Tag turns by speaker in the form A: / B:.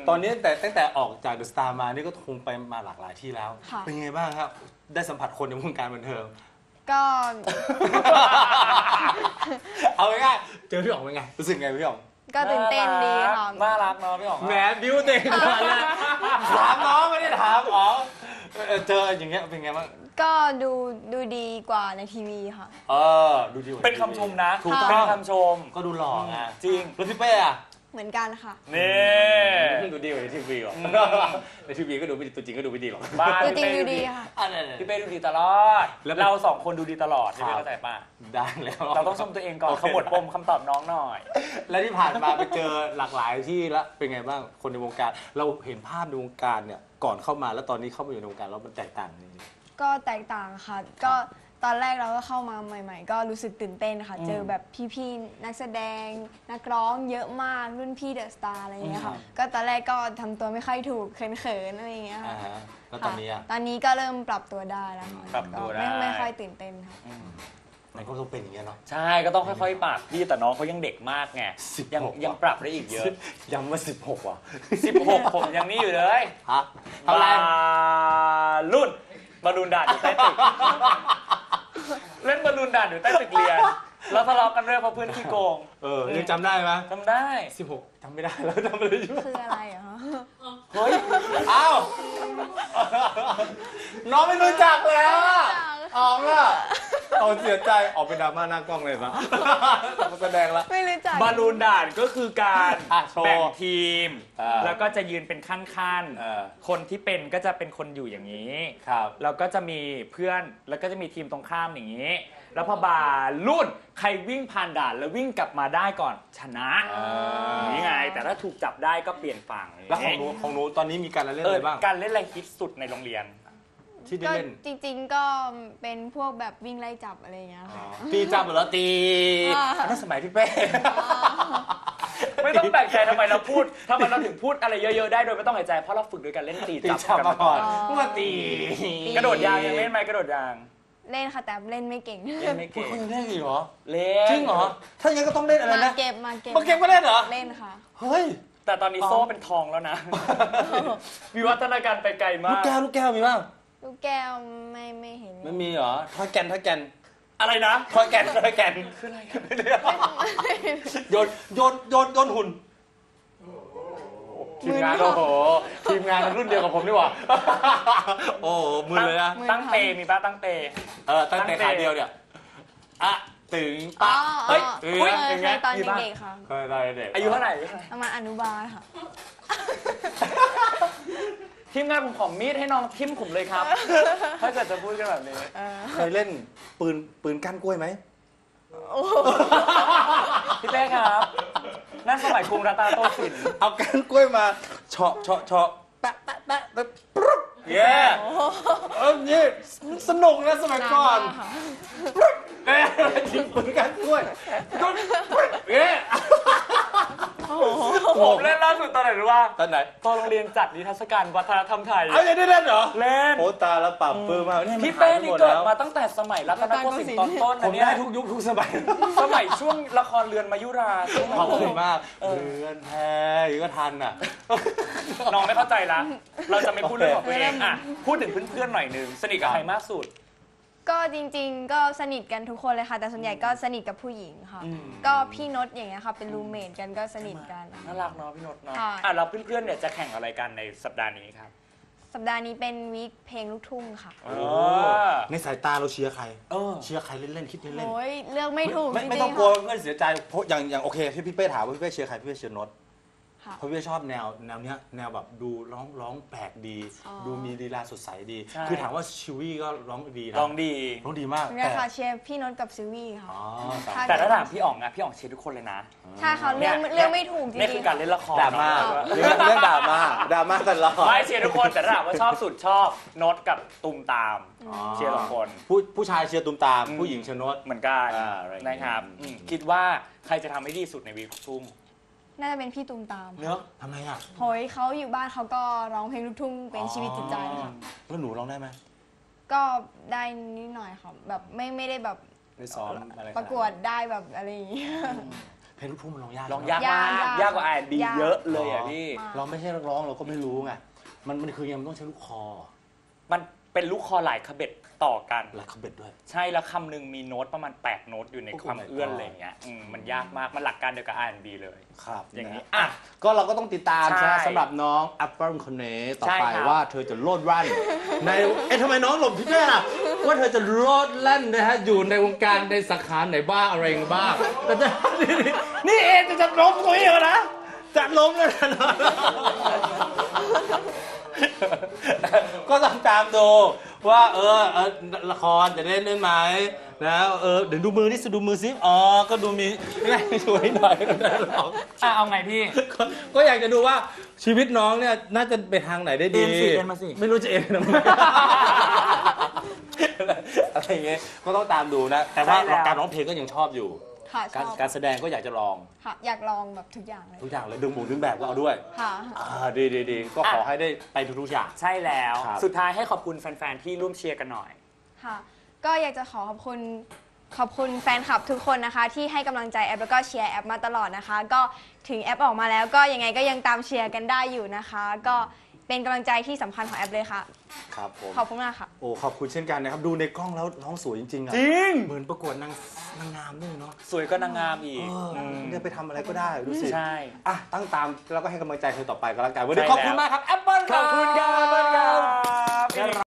A: ตอนนี้ตั้งแต่ออกจากเดอะสตาร์มานี่ก็คงไปมาหลากหลายที่แล้วเป็นไงบ้างครับได้สัมผัสคนในวงการบันเทิง
B: ก็
A: เอาง่ายๆเจอพี่อ๋องเป็นไงรู้สึกไงพี่อ๋อง
B: ก็ตื่นเต้นดีค่ะ
C: น่ารักเนาะพี่อ๋อง
A: แหมบิ้วเต็มเลยถามน้องไม่ได้ถามอ๋องเจออย่างเงี้ยเป็นไงบ้าง
B: ก็ดูดีกว่าในทีวีค่ะ
A: ดูดี
C: เป็นคำชมนะ
A: ถูกต้อง
C: เป็นคำชม
A: ก็ดูหล่อไง
C: จริง
A: แล้วพี่เป้อะ
B: เหมือนกันค่ะ
C: นี่
A: ดูดีกว่าในทีวีหรอในทีวีก็ดูไม่ดีตัวจริงก็ดูไม่ดีหรอก
B: ตัวจริงดูดีค่ะ
C: พี่เป้ดูดีตลอดเราสองคนดูดีตลอดพี่เป้เข้าใจป่ะ
A: ได้แล้ว
C: เราต้องชมตัวเองก่อนขมวดปมคำตอบน้องหน่อย
A: แล้วที่ผ่านมาไปเจอหลากหลายที่แล้วเป็นไงบ้างคนในวงการเราเห็นภาพในวงการเนี่ยก่อนเข้ามาแล้วตอนนี้เข้ามาอยู่ในวงการแล้วมันแตกต่างจริง
B: ก็แตกต่างค่ะก็ตอนแรกเราก็เข้ามาใหม่ๆก็รู้สึกตื่นเต้นค่ะเจอแบบพี่ๆนักแสดงนักร้องเยอะมากรุ่นพี่เดอะสตาร์อะไรอย่างเงี้ยค่ะก็ตอนแรกก็ทำตัวไม่ค่อยถูกเขินๆอะไรอย่างเงี้ยค่ะ
A: แล้วตอนนี้
B: ตอนนี้ก็เริ่มปรับตัวได้แล้วค่ะ
C: ปรับตัวได้
B: ไม่ค่อยตื่นเต้นค่ะ
A: มันก็ต้องเป็นอย่างเงี้ยเนาะ
C: ใช่ก็ต้องค่อยๆปรับพี่แต่น้องเขายังเด็กมากไงยังปรับได้อีกเยอะ
A: ย้ำว่า16ว่ะ
C: 16ผมยังนี่อยู่เลย
A: ฮะเท่าไหร่
C: รุ่นบอลลูนด่านอยู่ใต้ตึกเล่นบอลลูนด่านอยู่ใต้ตึกเรียนแล้วทะเลาะกันเรื่องเพราะเพื่อนขี้โกง
A: ยังจำได้ไหม
C: จำได้
A: 16จำไม่ได้แล้วจำอะไรอยู่
B: คืออะไรเหรอ
A: เฮ้ยอ้าวน้องไม่รู้จักแล้วอ๋องอ่ะเอาเสียใจออกไปดราม่าหน้ากล้องเลยปะแสดงละ
B: ไม่รู้จัก
C: บอลลูนด่านก็คือการแบ่งทีมแล้วก็จะยืนเป็นขั้นๆคนที่เป็นก็จะเป็นคนอยู่อย่างนี้แล้วก็จะมีเพื่อนแล้วก็จะมีทีมตรงข้ามอย่างนี้แล้วพอบาลุ่นใครวิ่งผ่านด่านแล้ววิ่งกลับมาได้ก่อนชนะนี่ไงแต่ถ้าถูกจับได้ก็เปลี่ยนฝั่ง
A: แล้วของหนูตอนนี้มีการเล่นอะไรบ้าง
C: การเล่นอะไรฮิตสุดในโรงเรียน
A: ที่ได้เล่น
B: จริงๆก็เป็นพวกแบบวิ่งไล่จับอะไรอย่างเงี้ย
A: ตีจับหรือตีนั่นสมัยพี่เป้
C: ไม่ต้องแปลกใจทำไมเราถึงพูดอะไรเยอะๆได้โดยไม่ต้องหายใจเพราะเราฝึกด้วยการเล่นตีจับ
A: มาก่อนมาตี
C: กระโดดยางยังเล่นไหมกระโดดยาง
B: เล่นค่ะแต่เล่นไม่เก่ง
A: คุณเล่นอีกเหรอ
C: เล่น
A: จริงเหรอถ้าอย่างนั้นก็ต้องเล่นอะไรนะ
B: มาเก็บ
A: ก็เล่นเหรอ
B: เล่นค่ะ
A: เฮ้ย
C: แต่ตอนนี้โซ่เป็นทองแล้วนะวิวัฒนาการไปไกลมาก
A: ลูกแก้วมีบ้าง
B: ลูกแก้วไม่เห็น
A: ไม่มีเหรอถ้าแกน
C: อะไรนะ
A: ถ้าแกน
C: คืออะไร
A: โยนหุ่นทีมงานโอ้โหทีมงานรุ่นเดียวกับผมนี่หว่าโอ้มือเลยนะ
C: ตั้งเตมีป้าตั้งเต
A: ตั้งเตขาเดียวเนี่ยอะตึงปะ
B: เฮ้ยเคยตอนเด็กๆค่ะ
A: เคยตอนเด็ก
C: อายุเท่าไหร่
B: ประมาณอนุบาลค่ะ
C: ทีมงานผมขอมีดให้น้องทิ่มผมเลยครับถ้าเกิดจะพูดกันแบบนี้
A: เคยเล่นปืนก้านกล้วยไหม
C: พี่เป้ครับนั่นสมัยกรุงรัตนโกสินทร์
A: เอาก้านกล้วยมาเฉาะแปะแล้วปุ๊บเย้นี่สนุกนะสมัยก่อนยิงปืนก้านกล้วยเย้
C: ผมเล่นล่าสุดตอนไหนรู้ป่ะ
A: ตอนไหน
C: ตอนโรงเรียนจัดนิทรรศการวัฒนธรรมไทย
A: เอาอย่างนี้เล่นเหรอ
C: เล่น
A: โอ้ตาแล้วปรับปื้มมาก
C: พี่เป้นี่เกิดมาตั้งแต่สมัยรัตนโกสินทร์ตอนต้น
A: ผมได้ทุกยุคทุกสมัย
C: ช่วงละครเรือนมายุรา
A: ขอบคุณมากเรือนแพก็ทันอ่ะ
C: น้องไม่เข้าใจละเราจะไม่พูดเรื่องของตัวเองอ่ะพูดถึงเพื่อนๆหน่อยนึงสนิทกับใครมากสุด
B: ก็จริงๆก็สนิทกันทุกคนเลยค่ะแต่ส่วนใหญ่ก็สนิทกับผู้หญิงค่ะก็พี่นดอย่างเงี้ยค่ะเป็นรูเมทกันก็สนิทกัน
C: น่ารักเนาะพี่นดเนาะแล้วเพื่อนๆเนี่ยจะแข่งอะไรกันในสัปดาห์นี้ครับ
B: สัปดาห์นี้เป็นวีคเพลงลูกทุ่งค่ะ
A: ในสายตาเราเชียร์ใครเชียร์ใครเล่นคิดเล่น
B: โอ้ยเลือกไม่ถูก
A: ไม่ต้องกลัวเพื่อนเสียใจเพราะอย่างโอเคพี่เป้ถามว่าพี่เป้เชียร์ใครพี่เป้เชียร์นดเพราะพี่ชอบแนวเนี้ยแนวแบบดูร้องแปลกดีดูมีลีลาสดใสดีคือถามว่าชิวี่ก็ร้องดีนะร้องดีมาก
B: เนี่ยค่ะเชียร์พี่นนท์กับซิวี่ค่ะ
C: แต่ถ้าถามพี่อ๋องอะพี่อ๋องเชียร์ทุกคนเลยนะ
B: ใช่ค่ะเรื่องไม่ถูกจริงๆ
C: นี่คือการเล่นละคร
A: ดราม่าเรื่องดราม่าตลอด
C: ไม่เชียร์ทุกคนแต่ถ้าถามว่าชอบสุดชอบนดกับตุมตามเชียร์ทุกคน
A: ผู้ชายเชียร์ตุมตามผู้หญิงเชียร์นด
C: เหมือนกันนะครับคิดว่าใครจะทำให้ดีสุดในวีคทุ่ม
B: น่าจะเป็นพี่ตูมตาม
A: เนื้อทำไมอ่ะ
B: โหยเขาอยู่บ้านเขาก็ร้องเพลงลูกทุ่งเป็นชีวิตจิตใจค่ะ
A: แล้วหนูร้องได้ไหม
B: ก็ได้นิดหน่อยค่ะแบบไม่ได้แบบ
A: ได้ซ้อมอะไร
B: ประกวดได้แบบอะไรอย่างเงี้ย
A: เพลงลูกทุ่งมันร้องยาก
C: ร้องยากมาก
B: ยาก
C: ยากกว่า R&B
B: ยาก
C: เยอะเลยอ่ะพี่
A: เราไม่ใช่นักร้องเราก็ไม่รู้ไงมันคือยังต้องใช้ลูกคอ
C: มันเป็นลูกคอหลายคเบ็ดต่อกัน
A: และคาเบ็ดด้วย
C: ใช่แล้วคำหนึ่งมีโน้ตประมาณ 8 โน้ตอยู่ใน
A: โอ้โห
C: ความเอื้อนอะไรอย่างเงี้ยมันยากมาก มันหลักการเดียวกับ R&B เลย
A: ครับ
C: อย่างนี้
A: นี้อ่ะก็เราก็ต้องติดตาม
C: ใช่
A: นะสำหรับน้องแอปเปิลคนนี้ต่อ
C: ใช่
A: ไป
C: ครับ
A: ว่าเธอจะโลดรั่นในทำไมน้องหลบพี่เป้ล่ะว่าเธอจะโลดแล่นนะฮะอยู่ในวงการในสาขาไหนบ้างอะไรบ้างแต่จะนี่เองจะล้มตัวเองนะจะล้มแล้วนะก็ต้องตามดูว่าละครจะเล่นไหมแล้วเดี๋ยวดูมือนี่ดูมือซิก็ดูมีไงสวยหน่อย
C: เอาไงพี่
A: ก็อยากจะดูว่าชีวิตน้องเนี่ยน่าจะไปทางไหนได้ดี
C: เอ็นมาสิ
A: ไม่รู้จะเอ็นทำไมอะไรอย่างเงี้ยก็ต้องตามดูนะแต่ว่า
C: ใช่แล้ว
A: การร้องเพลงก็ยังชอบอยู่
B: ค่ะชอบ
A: การแสดงก็อยากจะลอง
B: ค่ะอยากลองแบบทุกอย่างเลย
A: ทุกอย่างเลยดึงหมูดึงแบบก็เอาด้วย
B: ค่ะ
A: ดีก็ขอให้ได้ไปทุกๆอย่าง
C: ใช่แล้ว
A: ครับ
C: สุดท้ายให้ขอบคุณแฟนๆที่ร่วมเชียร์กันหน่อย
B: ค่ะ ก็อยากจะขอบคุณแฟนคลับทุกคนนะคะ ที่ให้กำลังใจแอปแล้วก็เชียร์แอปมาตลอดนะคะ ก็ถึงแอปออกมาแล้วก็ยังไงก็ยังตามเชียร์กันได้อยู่นะคะ ก็เป็นกำลังใจที่สำคัญของแอปเลยค่ะ
A: ครับผม
B: ขอบคุณมากค่ะ
A: โอ้ขอบคุณเช่นกันนะครับดูในกล้องแล้วน้องสวยจริงๆอะ
C: จริง
A: เหมือนประกวดนางงามด้วยเนาะ
C: สวยก็นางงามอีก
A: เนี่ยไปทำอะไรก็ได้ดูสิ
C: ใช่
A: อ่ะตั้งตามแล้วก็ให้กำลังใจเธอต่อไปก็แล้วกันวันนี้
C: ใช่
A: ขอบคุณ
C: แล้ว
A: มากครับแอปเปิล
C: ขอบคุณครับ